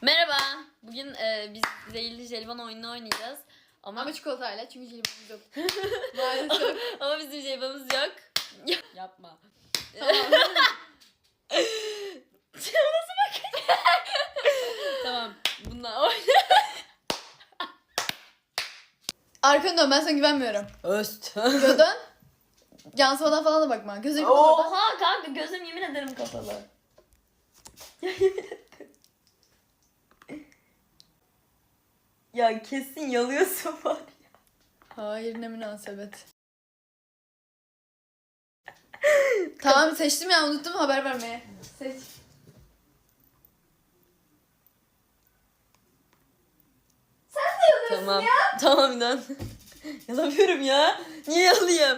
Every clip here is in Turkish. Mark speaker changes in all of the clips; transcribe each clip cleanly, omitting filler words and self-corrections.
Speaker 1: Merhaba. Bugün biz zehirli jelibon oyununu oynayacağız. Ama
Speaker 2: çikolatayla çünkü jelibonumuz yok. Maalesef.
Speaker 1: ama bizim jelibonumuz yok. Yapma.
Speaker 2: Tamam.
Speaker 1: Nasıl bakın? Tamam. Bununla oyna.
Speaker 2: Arkanı dön, ben sana güvenmiyorum.
Speaker 1: Öst.
Speaker 2: Dön. Yansımadan falan da bakma. Gözünü kapat.
Speaker 1: Oha kanka, gözüm yemin ederim kapalı. Ya yemin ederim. Ya kesin yalıyorsun var ya.
Speaker 2: Hayır, ne münasebet. Tamam, seçtim ya, unuttum haber vermeye. Seç.
Speaker 1: Tamam. Tamam inan. Yalamıyorum ya. Niye yalayayım?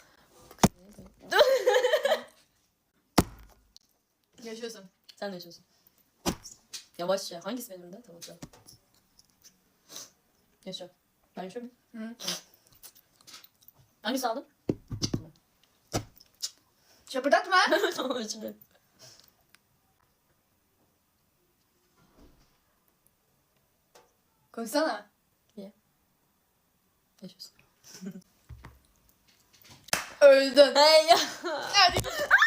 Speaker 2: Yaşıyorsun.
Speaker 1: Sen de yaşıyorsun. Yavaşça. Hangisi benim de? Tamam tamam. Yaşa. Ben yaşıyorum.
Speaker 2: Hı.
Speaker 1: Hangisi aldın?
Speaker 2: Şapırdatma.
Speaker 1: Tamam şimdi.
Speaker 2: Konuşsana.
Speaker 1: Yaşıyorsun.
Speaker 2: Öldün.
Speaker 1: Hey ya.
Speaker 2: Hadi.